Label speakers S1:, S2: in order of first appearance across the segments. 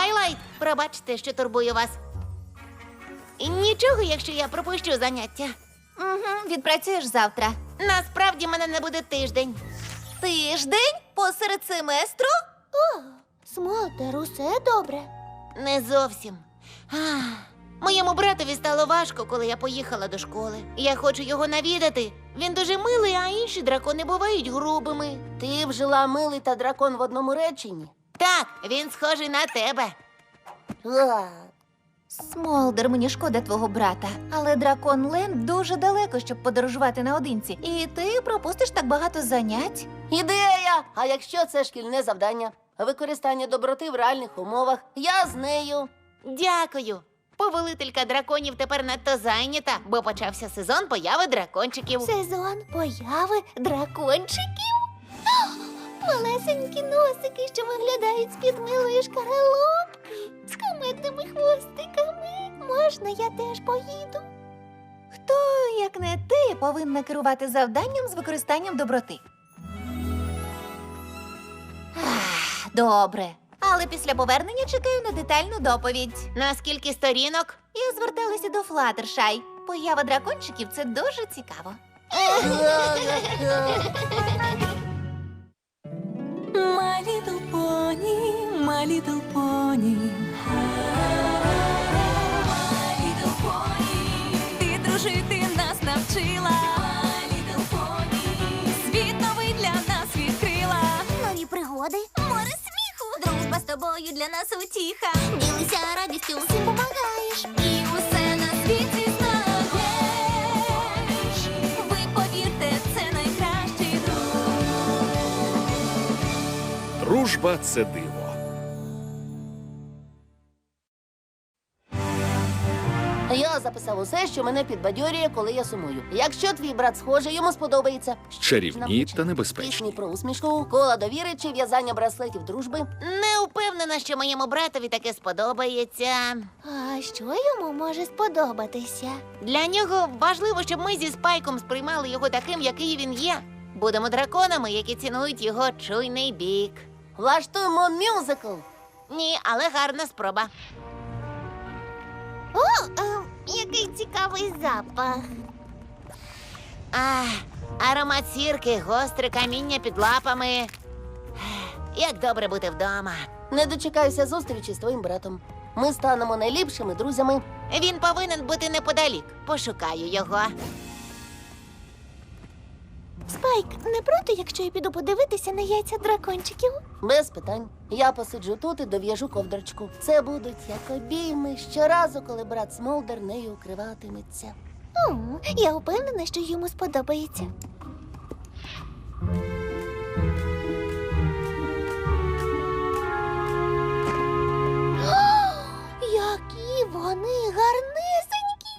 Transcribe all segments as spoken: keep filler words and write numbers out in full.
S1: Твайлайт, пробачте, що турбую вас. І нічого, якщо я пропущу заняття.
S2: Угу, відпрацюєш завтра.
S1: Насправді мене не буде тиждень.
S2: Тиждень посеред семестру?
S3: О, Смолтер, усе добре?
S1: Не зовсім. Ах, моєму братові стало важко, коли я поїхала до школи. Я хочу його навідати. Він дуже милий, а інші дракони бувають грубими.
S3: Ти вжила милий та дракон в одному реченні?
S1: Так, він схожий на тебе.
S3: А,
S2: Смолдер, мені шкода твого брата, але дракон Ленд дуже далеко, щоб подорожувати наодинці. І ти пропустиш так багато занять.
S3: ідея! А якщо це шкільне завдання? Використання доброти в реальних умовах. Я з нею.
S1: Дякую. Повелителька драконів тепер надто зайнята, бо почався сезон появи дракончиків.
S3: Сезон появи дракончиків? Малесенькі носики, що виглядають з-під милої шкаралупки, з кумедними хвостиками. Можна я теж поїду?
S2: Хто, як не ти, повинна керувати завданням з використанням доброти? Ах, добре. Але після повернення чекаю на детальну доповідь.
S1: На скільки сторінок?
S2: Я зверталася до Флаттершай. Поява дракончиків – це дуже цікаво.
S4: My little pony, my little pony. My little pony. Ти дружити нас навчила. My little pony. Світ новий для нас відкрила.
S3: Нові пригоди,
S4: Море сміху. Дружба з тобою для нас утіха.
S3: ділися радістю, всім помагаєш.
S4: І усе на світі знаєш. Ви повірте, це найкращий друг.
S5: Дружба – це диво.
S3: Я записав усе, що мене підбадьорює, коли я сумую. Якщо твій брат схожий, йому сподобається.
S5: Чарівні та
S3: Пісні
S5: небезпечні.
S3: про усмішку, кола довіри чи в'язання браслетів дружби.
S1: Не впевнена, що моєму братові таке сподобається.
S3: А що йому може сподобатися?
S1: Для нього важливо, щоб ми зі Спайком сприймали його таким, який він є. Будемо драконами, які цінують його чуйний бік.
S3: Влаштуємо мюзикл.
S1: Ні, але гарна спроба.
S3: О, е, який цікавий запах.
S1: Ах, аромат сірки, гостре каміння під лапами. Ех, як добре бути вдома.
S3: Не дочекаюся зустрічі з твоїм братом. Ми станемо найліпшими друзями.
S1: Він повинен бути неподалік. Пошукаю його.
S3: Спайк, не проти, якщо я піду подивитися на яйця дракончиків? Без питань. Я посиджу тут і дов'яжу ковдрочку. Це будуть як обійми щоразу, коли брат Смолдер нею укриватиметься. О, я впевнена, що йому сподобається. О, які вони гарнесенькі!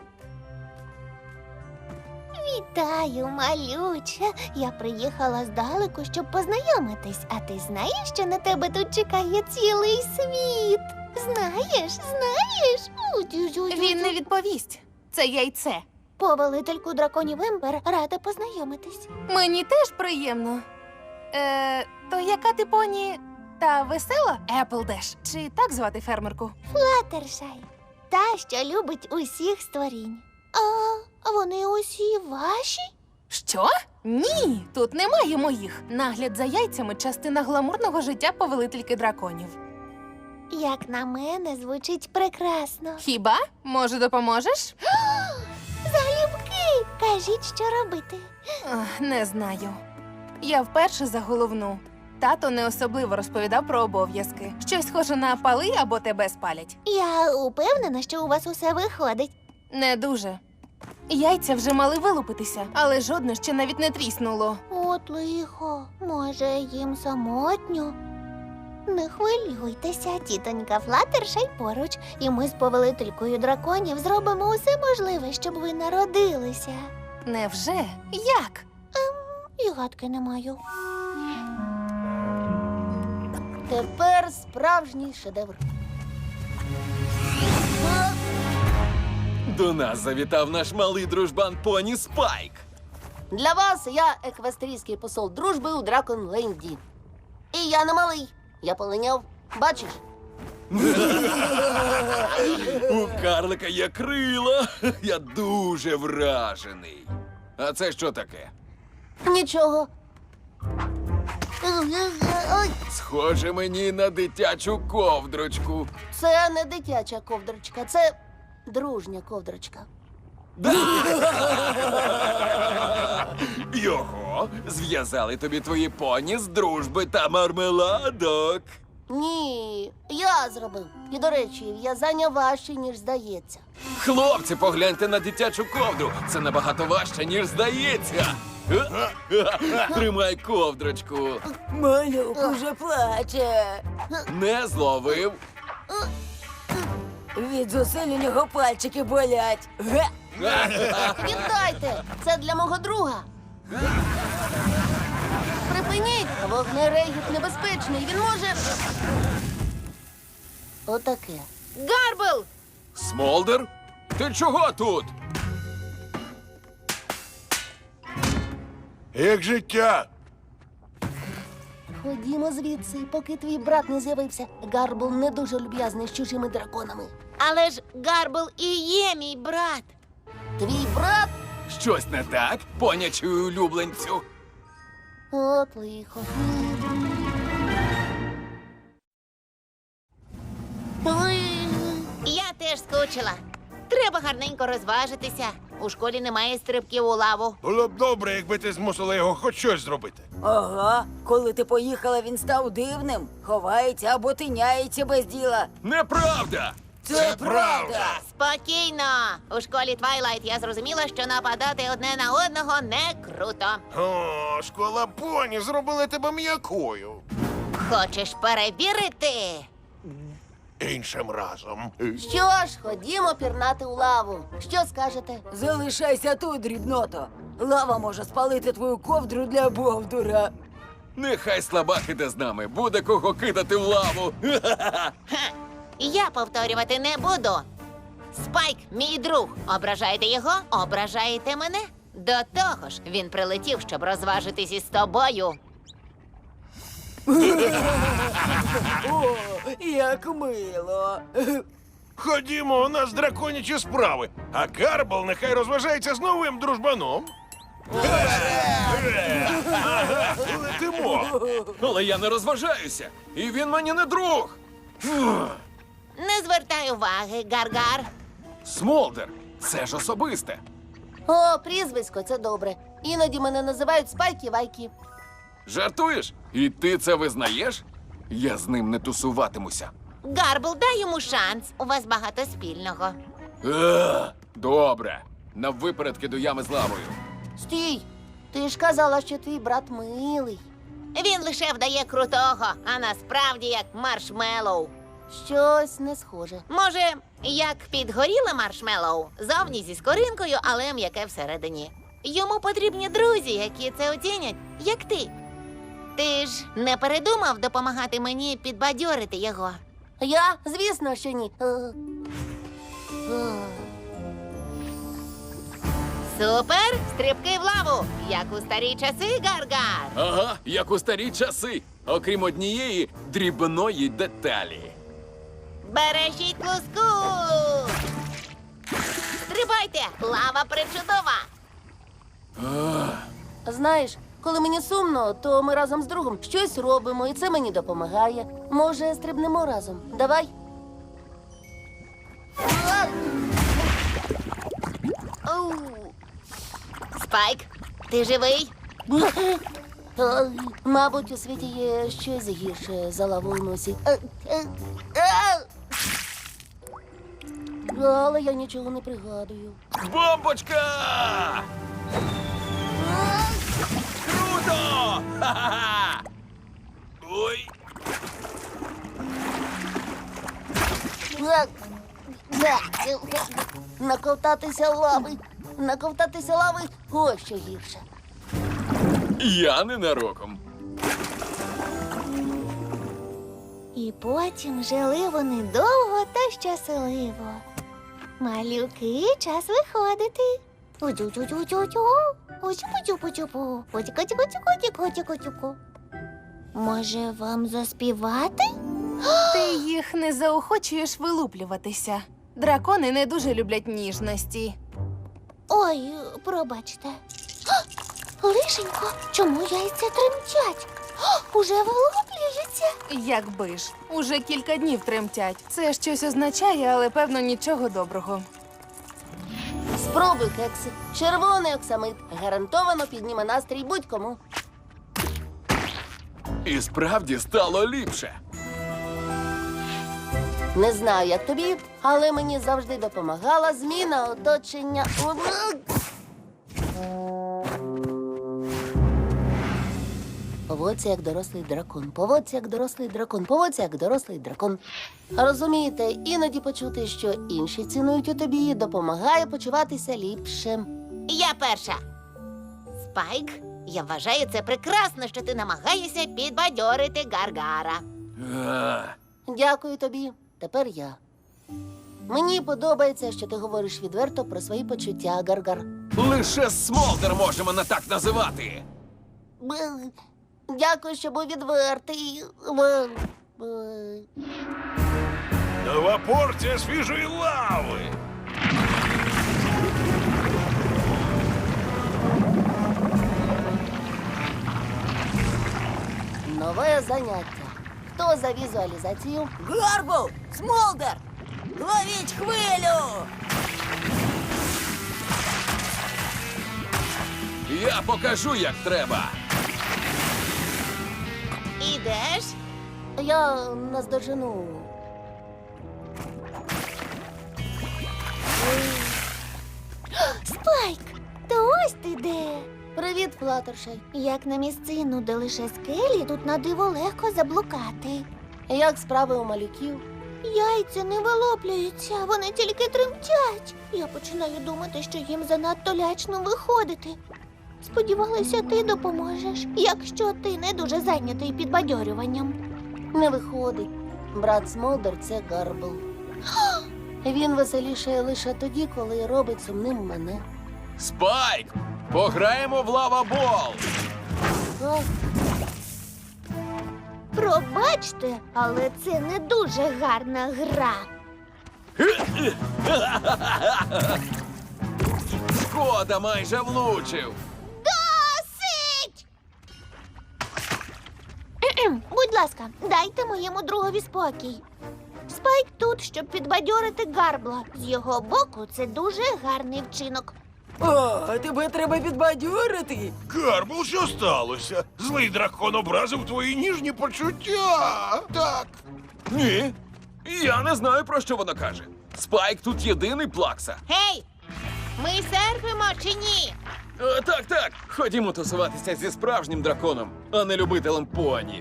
S3: Вітаю, малюча. Я приїхала здалеку, щоб познайомитись. А ти знаєш, що на тебе тут чекає цілий світ? Знаєш, знаєш?
S6: Він не відповість. Це яйце.
S3: Повелительку драконів Ембер рада познайомитись.
S6: Мені теж приємно. Е, то яка ти поні? Та весела? Еплдеш. Чи так звати фермерку?
S3: Флаттершай. Та, що любить усіх створінь. А вони усі ваші?
S6: Що? Ні, тут немає моїх. Нагляд за яйцями – частина гламурного життя повелительки драконів.
S3: Як на мене, звучить прекрасно.
S6: Хіба? Може, допоможеш?
S3: Залюбки! Кажіть, що робити.
S6: Ах, не знаю. Я вперше за головну. Тато не особливо розповідав про обов'язки. Щось схоже на пали або тебе спалять.
S3: Я упевнена, що у вас усе виходить.
S6: Не дуже. Яйця вже мали вилупитися, але жодне ще навіть не тріснуло.
S3: От лихо, може, їм самотньо? Не хвилюйтеся, тітонька Флаттершай поруч, і ми з повелителькою драконів зробимо усе можливе, щоб ви народилися.
S6: Невже? Як?
S3: І гадки не маю. Тепер справжній шедевр.
S7: До нас завітав наш малий дружбан поні Спайк.
S3: Для вас я еквестрійський посол дружби у Драконленді. І я не малий. Я полиняв. Бачиш?
S7: У карлика є крила. Я дуже вражений. А це що таке?
S3: Нічого. Ой,
S7: Схоже мені на дитячу ковдрочку.
S3: це не дитяча ковдрочка, це дружня ковдрочка.
S7: Його зв'язали тобі твої поні з дружби та мармеладок.
S3: Ні, я зробив. І, до речі, в'язання важче, ніж здається.
S7: Хлопці, погляньте на дитячу ковдру. Це набагато важче, ніж здається. Тримай ковдрочку.
S8: Малюк уже плаче.
S7: Не зловив.
S8: Від зусиль у нього пальчики болять. Ге!
S3: Віддайте! Це для мого друга. Припиніть! Вогнерегіт небезпечний. Він може. Отаке.
S1: Гарбл!
S7: Смолдер? Ти чого тут?
S9: Як життя?
S3: Ходімо звідси, поки твій брат не з'явився. Гарбл не дуже люб'язний з чужими драконами.
S1: Але ж Гарбл і є мій брат.
S3: Твій брат?
S7: Щось не так, понячую улюбленцю.
S3: От лихо. Ой.
S1: Я теж скучила. Треба гарненько розважитися. У школі немає стрибків у лаву.
S9: Було б добре, якби ти змусила його хоч щось зробити.
S8: Ага, коли ти поїхала, він став дивним. Ховається або тиняється без діла.
S7: Неправда!
S8: Це, правда.
S1: Спокійно. У школі Твайлайт я зрозуміла, що нападати одне на одного не круто.
S9: О, школа поні зробила тебе м'якою.
S1: Хочеш перевірити?
S9: Іншим разом.
S3: Що ж, ходімо пірнати у лаву. Що скажете?
S8: Залишайся тут, дрібното. Лава може спалити твою ковдру для бовдура.
S7: Нехай слабак іде з нами, буде кого кидати в лаву.
S1: Ха. Я повторювати не буду. Спайк, мій друг. Ображаєте його, ображаєте мене. До того ж, він прилетів, щоб розважитись із тобою.
S8: О, як мило.
S9: Ходімо, у нас драконячі справи, а Гарбл нехай розважається з новим дружбаном. Ага, летимо.
S7: Але я не розважаюся, і він мені не друг.
S1: Не звертай уваги, Гаргар.
S7: Смолдер, це ж особисте.
S3: О, прізвисько, це добре. Іноді мене називають Спайки-Вайки.
S7: Жартуєш? І ти це визнаєш? Я з ним не тусуватимуся.
S1: Гарбл, дай йому шанс. У вас багато спільного.
S7: Е, Добре. На випередки до ями з лавою.
S3: Стій! Ти ж казала, що твій брат милий.
S1: Він лише вдає крутого, а насправді як маршмеллоу.
S3: Щось не схоже.
S1: Може, як підгоріле маршмеллоу, зовні зі скоринкою, але м'яке всередині. Йому потрібні друзі, які це оцінять, як ти. Ти ж не передумав допомагати мені підбадьорити його?
S3: Я? Звісно, що ні. Е, е.
S1: Супер! Стрибки в лаву, як у старі часи, Гаргар.
S7: Ага, як у старі часи, окрім однієї дрібної деталі.
S1: Бережіть луску! Стрибайте! Лава причудова!
S3: Знаєш, коли мені сумно, то ми разом з другом щось робимо, і це мені допомагає. Може, стрибнемо разом? Давай. А! Оу.
S1: Спайк, ти живий?
S3: Ой, мабуть, у світі є щось гірше за лаву у носі. Е, е, е! Але я нічого не пригадую.
S7: Бомбочка! Круто! Ха-ха-ха! Ой!
S3: Е, е, е, Наковтатися лави. Наковтатися лави – ось що гірше.
S7: Я ненароком.
S2: І потім жили вони довго та щасливо. Малюки, час виходити. Утю-тю-тю-тю-тю. Утю-путю-путю-пу. Утю-ку-тю-ку-тю-ку-тю-ку-тю-ку. Може, вам заспівати?
S6: Ти їх не заохочуєш вилуплюватися. Дракони не дуже люблять ніжності.
S3: Ой, пробачте. А, Лишенько, чому яйця тремтять? А, Уже вилуплюються.
S6: Якби ж, уже кілька днів тремтять. Це щось означає, але певно нічого доброго.
S3: Спробуй, кексик. Червоний оксамит. Гарантовано підніме настрій будь-кому.
S7: І справді стало ліпше.
S3: Не знаю, як тобі, але мені завжди допомагала зміна оточення. Поводься як дорослий дракон, поводься як дорослий дракон, поводься як дорослий дракон. Розумієте, іноді почути, що інші цінують у тобі, допомагає почуватися ліпше.
S1: Я перша. Спайк, я вважаю це прекрасно, що ти намагаєшся підбадьорити Гаргара.
S7: А,
S3: Дякую тобі. Тепер я. Мені подобається, що ти говориш відверто про свої почуття, Гаргар.
S7: лише Смолдер може мене так називати.
S3: Б- Дякую, що був відвертий. Б- б-
S9: Нова порція свіжої лави.
S3: Нове заняття. Хто за візуалізацію?
S8: Гарбл! Смолдер! Ловіть хвилю!
S7: Я покажу, як треба.
S1: Ідеш?
S3: Я наздожену.
S10: Спайк, то ось ти де.
S3: Привіт, Флаттершай.
S10: Як на місцину, де лише скелі, тут на диво легко заблукати.
S3: Як справи у малюків?
S10: Яйця не вилоплюються, вони тільки тремтять. Я починаю думати, що їм занадто лячно виходити. Сподівалася, ти допоможеш, якщо ти не дуже зайнятий підбадьорюванням.
S3: Не виходить. Брат Смолдер – це Гарбл. Він веселішає лише тоді, коли робить сумним мене.
S7: Спайк! Пограємо в лавабол!
S3: А,
S10: Пробачте, але це не дуже гарна гра.
S7: Шкода, майже влучив.
S10: Досить! Кхе-кхем. Будь ласка, дайте моєму другові спокій. Спайк тут, щоб підбадьорити Гарбла. З його боку, це дуже гарний вчинок.
S8: О, тебе треба підбадьорити.
S9: Карбл, що сталося? Злий дракон образив твої ніжні почуття. Так.
S7: Ні. Я не знаю, про що вона каже. Спайк тут єдиний плакса.
S1: Гей! Ми серфимо чи ні?
S7: Е, так, так. Ходімо тусуватися зі справжнім драконом, а не любителем поні.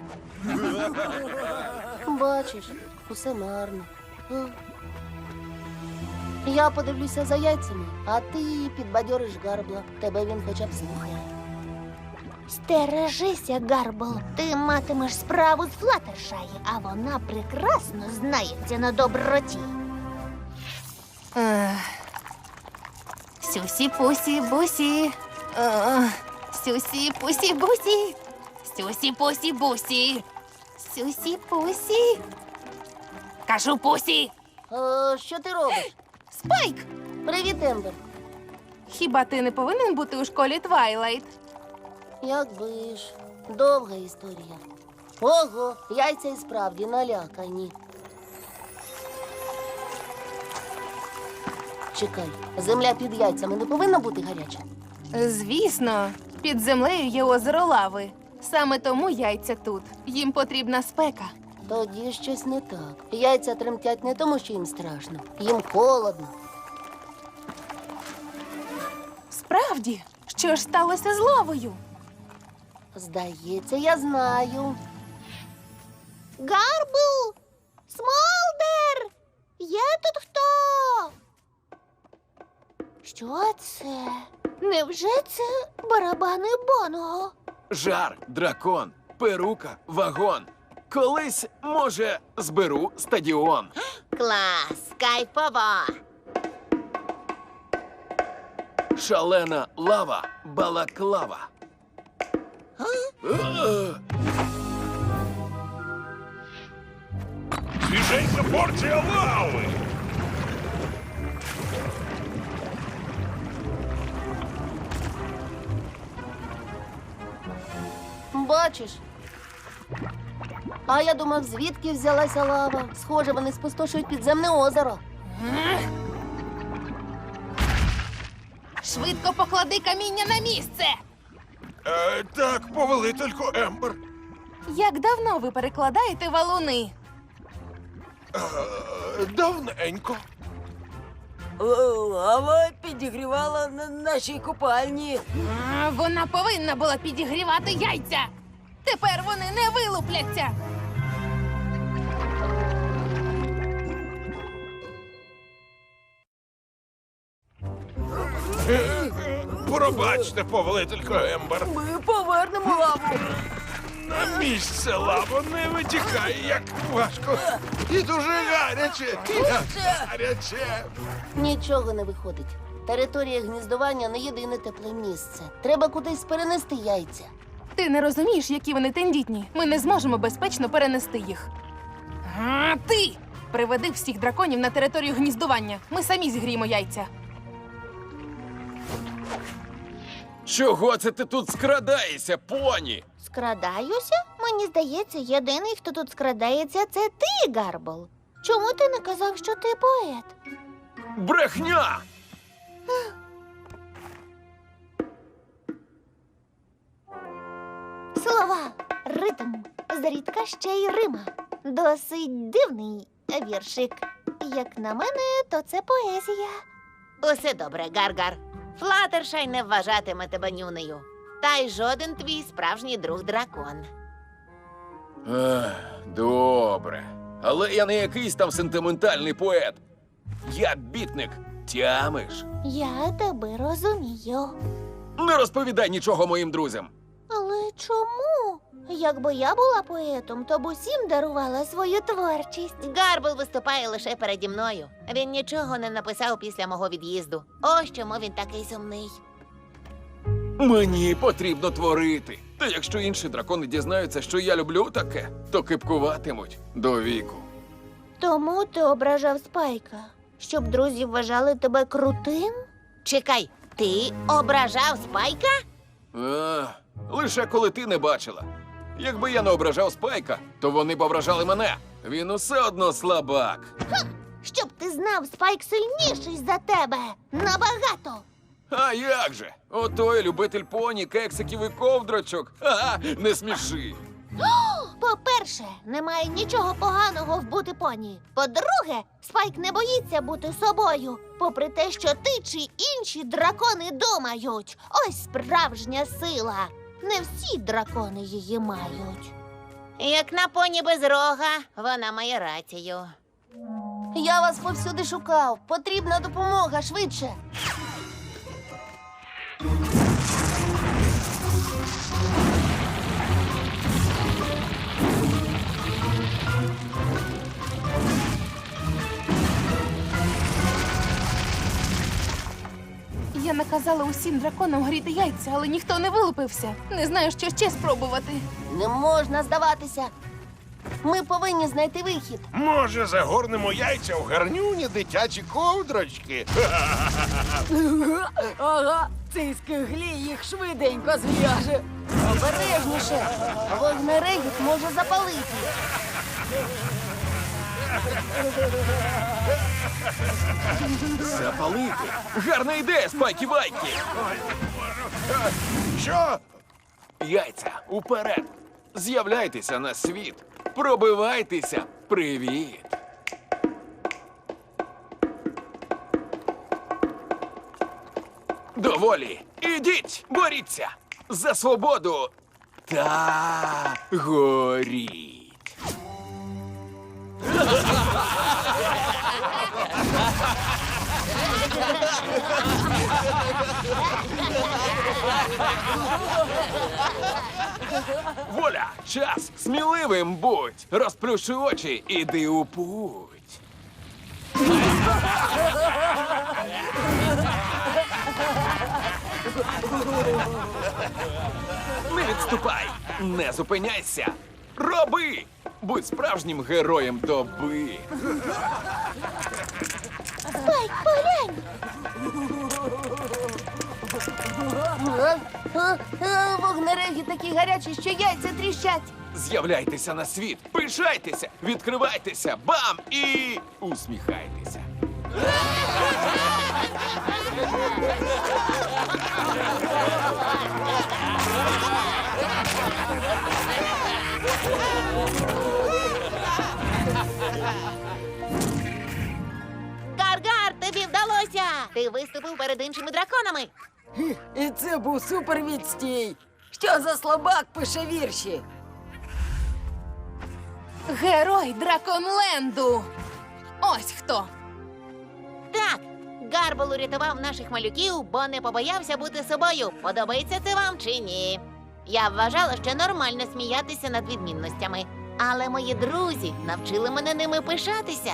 S3: бачиш, усе марно. А. Я подивлюся за яйцями, а ти підбадьориш Гарбла. Тебе він хоча б слухає.
S10: Стережися, Гарбл. Ти матимеш справу з Флаттершай, а вона прекрасно знається на доброті.
S6: Ех. Сюсі-пусі-бусі. Ех. Сюсі-пусі-бусі. Сюсі-пусі-бусі. Сюсі-пусі. Кажу пусі.
S3: А, що ти робиш?
S6: Спайк!
S3: Привіт, Ембер.
S6: Хіба ти не повинен бути у школі Твайлайт?
S3: Якби ж. Довга історія. Ого, яйця і справді налякані. Чекай, земля під яйцями не повинна бути гаряча?
S6: Звісно, під землею є озеро лави. Саме тому яйця тут. Їм потрібна спека.
S3: Тоді щось не так. Яйця тремтять не тому, що їм страшно. Їм холодно.
S6: Справді, що ж сталося з лавою?
S3: Здається, я знаю.
S10: Гарбл! Смолдер! Є тут хто? Що це? Невже це барабани Бонго?
S7: Жар, дракон, перука, вагон. Колись, може, зберу стадіон.
S1: Клас, кайфово.
S7: Шалена лава, балаклава. Е,
S9: порція лави!
S3: Бачиш? А я думав, звідки взялася лава. Схоже, вони спустошують підземне озеро.
S6: Швидко поклади каміння на місце.
S9: Е, так, повелителько Ембер.
S6: Як давно ви перекладаєте валуни?
S9: Е, давненько.
S8: Лава підігрівала на нашій купальні.
S6: А, вона повинна була підігрівати яйця. Тепер вони не вилупляться.
S9: Пробачте, повелителько Ембер.
S8: Ми повернемо лаву.
S9: На місце лава не витікає, як важко. І дуже гаряче. Як гаряче.
S3: Нічого не виходить. Територія гніздування не єдине тепле місце. Треба кудись перенести яйця.
S6: Ти не розумієш, які вони тендітні. Ми не зможемо безпечно перенести їх. А ти приведи всіх драконів на територію гніздування. Ми самі зігріємо яйця.
S7: Чого це ти тут скрадаєшся, поні?
S10: Скрадаюся? Мені здається, єдиний, хто тут скрадається, це ти, Гарбл. Чому ти не казав, що ти поет?
S7: Брехня!
S10: Слова, ритм, зрідка ще й рима. Досить дивний віршик. Як на мене, то це поезія.
S1: Усе добре, Гаргар. Флатершай не вважатиме тебе нюнею. Та й жоден твій справжній друг дракон.
S7: Ех, добре. Але я не якийсь там сентиментальний поет. Я бітник. Тямиш?
S10: Я тебе розумію.
S7: Не розповідай нічого моїм друзям.
S10: Але чому? Якби я була поетом, то б усім дарувала свою творчість.
S1: Гарбл виступає лише переді мною. Він нічого не написав після мого від'їзду. Ось чому він такий сумний.
S7: Мені потрібно творити. Та якщо інші дракони дізнаються, що я люблю таке, то кипкуватимуть до віку.
S10: Тому ти ображав Спайка, щоб друзі вважали тебе крутим?
S1: Чекай, ти ображав Спайка?
S7: А, лише коли ти не бачила. Якби я не ображав Спайка, то вони б ображали мене. Він усе одно слабак.
S10: Щоб ти знав, Спайк сильніший за тебе. Набагато.
S7: А як же? Отой любитель поні, кексиків і ковдрочок. Ага, не сміши.
S10: По-перше, немає нічого поганого в бути поні. По-друге, Спайк не боїться бути собою, попри те, що ти чи інші дракони думають. Ось справжня сила. Не всі дракони її мають.
S1: Як на поні без рога, вона має рацію.
S3: Я вас повсюди шукав. Потрібна допомога швидше.
S6: Я наказала усім драконам гріти яйця, але ніхто не вилупився. Не знаю, що ще спробувати.
S3: Не можна здаватися. Ми повинні знайти вихід.
S9: Може, загорнемо яйця в гарнюні дитячі ковдрочки?
S8: Ага, цей скиглі їх швиденько зв'яже.
S3: Обережніше. Вогнерегіт може запалити.
S7: Запалити? Гарна ідея, спайки-вайки!
S9: Що?
S7: Яйця, уперед! З'являйтеся на світ! Пробивайтеся! Привіт! Доволі! Ідіть! Боріться! За свободу! Та горіть! Воля! Час! Сміливим будь! Розплющи очі, іди у путь! Не відступай! Не зупиняйся! Роби! Будь справжнім героєм доби.
S10: Спайк, поглянь!
S3: А, а, а, вогнереги такі гарячі, що яйця тріщать.
S7: З'являйтеся на світ, пишайтеся, відкривайтеся, бам! І усміхайтеся.
S1: Гар-гар, тобі вдалося! Ти виступив перед іншими драконами.
S8: І це був супервідстій. Що за слабак пише вірші?
S6: Герой Драконленду! Ось хто!
S1: Так, Гарбл урятував наших малюків, бо не побоявся бути собою. Подобається це вам чи ні? Я вважала, що нормально сміятися над відмінностями. Але мої друзі навчили мене ними пишатися.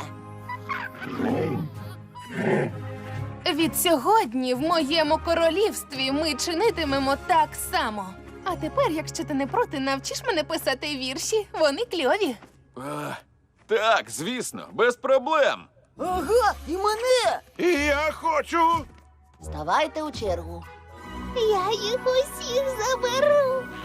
S6: Від сьогодні в моєму королівстві ми чинитимемо так само. А тепер, якщо ти не проти, навчиш мене писати вірші. Вони кльові.
S7: А, так, звісно, без проблем.
S8: Ага, і мене!
S9: І я хочу.
S3: Ставайте у чергу.
S10: Я їх усіх заберу.